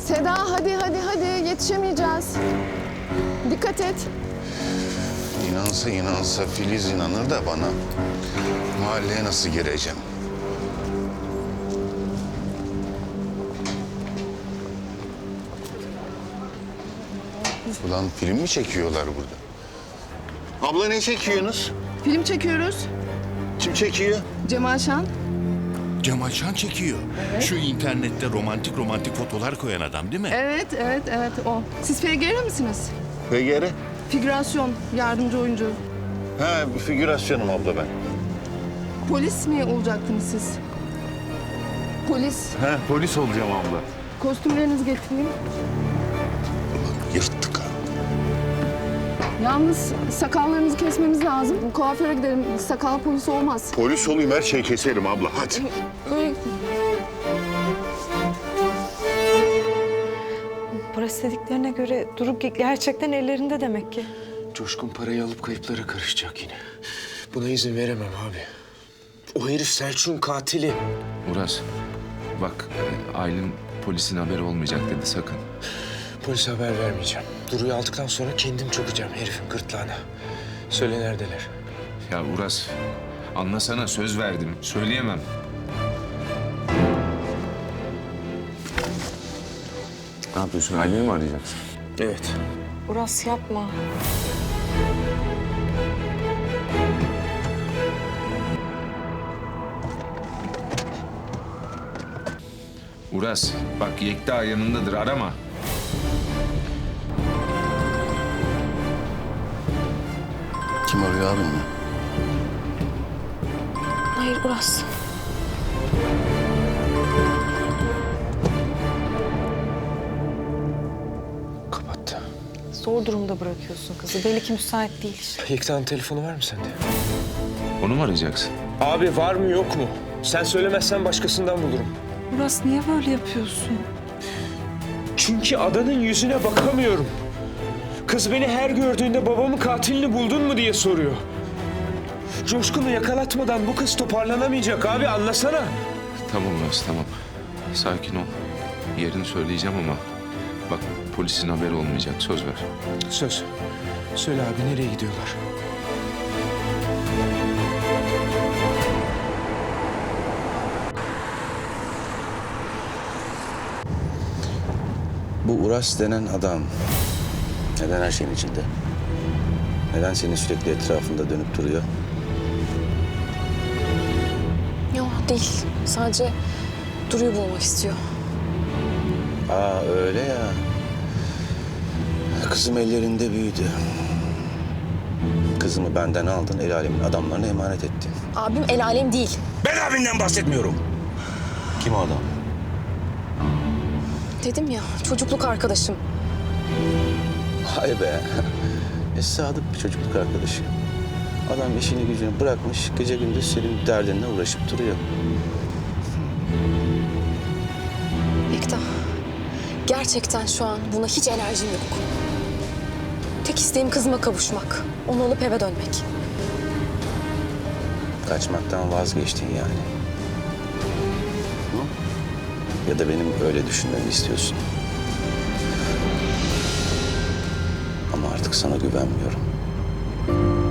Seda hadi yetişemeyeceğiz. Dikkat et. İnansa Filiz inanır da bana. Mahalleye nasıl gireceğim? Ulan film mi çekiyorlar burada? Abla ne çekiyorsunuz? Film çekiyoruz. Kim çekiyor? Cemal Şan. Cemal Şan çekiyor. Şu internette romantik fotolar koyan adam değil mi? Evet o. Siz FGR misiniz? PGR? Figürasyon, yardımcı oyuncu. Ha, bir figürasyonum abla ben. Polis mi olacaktınız siz? Polis. Ha, polis olacağım abla. Kostümlerinizi getireyim. Ulan yırttık ha. Yalnız sakallarınızı kesmemiz lazım. Kuaföre gidelim. Sakal polisi olmaz. Polis olayım, her şeyi keserim abla. Hadi. Öyle... Para istediklerine göre Duru gerçekten ellerinde demek ki. Coşkun parayı alıp kayıplara karışacak yine. Buna izin veremem abi. O herif Selçuk'un katili. Uras, bak Aylin polisin haberi olmayacak dedi sakın. Polise haber vermeyeceğim. Duru'yu aldıktan sonra kendim çökeceğim herifin gırtlağına. Söyle neredeler? Ya Uras, anlasana söz verdim. Söyleyemem. Ne yapıyorsun? Aylin'i mi arayacaksın? Evet. Uras yapma. Uras, bak Yekta yanındadır. Arama. Kim arıyor abim mi? Hayır Uras. Kapattı. Zor durumda bırakıyorsun kızı. Belli ki müsait değil. Yekta'nın telefonu var mı sende? Onu mu arayacaksın? Abi var mı yok mu? Sen söylemezsen başkasından bulurum. Uras niye böyle yapıyorsun? Çünkü adanın yüzüne bakamıyorum. Kız beni her gördüğünde babamın katilini buldun mu diye soruyor. Coşkun'u yakalatmadan bu kız toparlanamayacak abi, anlasana. Tamam Uras, tamam. Sakin ol. Yerini söyleyeceğim ama bak polisin haberi olmayacak. Söz ver. Söz. Söyle abi, nereye gidiyorlar? Bu Uras denen adam neden her şeyin içinde? Neden senin sürekli etrafında dönüp duruyor? Yok değil. Sadece Duru'yu bulmak istiyor. Aa öyle ya. Kızım ellerinde büyüdü. Kızımı benden aldın, el alemin adamlarına emanet ettin. Abim el alem değil. Ben abimden bahsetmiyorum. Kim o adam? Dedim ya, çocukluk arkadaşım. Hay be. Sadık bir çocukluk arkadaşı. Adam işini gücünü bırakmış, gece gündüz senin derdinle uğraşıp duruyor. Yekta, gerçekten şu an buna hiç enerjim yok. Tek isteğim kızıma kavuşmak. Onu alıp eve dönmek. Kaçmaktan vazgeçtin yani. Hı? Ya da benim öyle düşünmemi istiyorsun. Ama artık sana güvenmiyorum.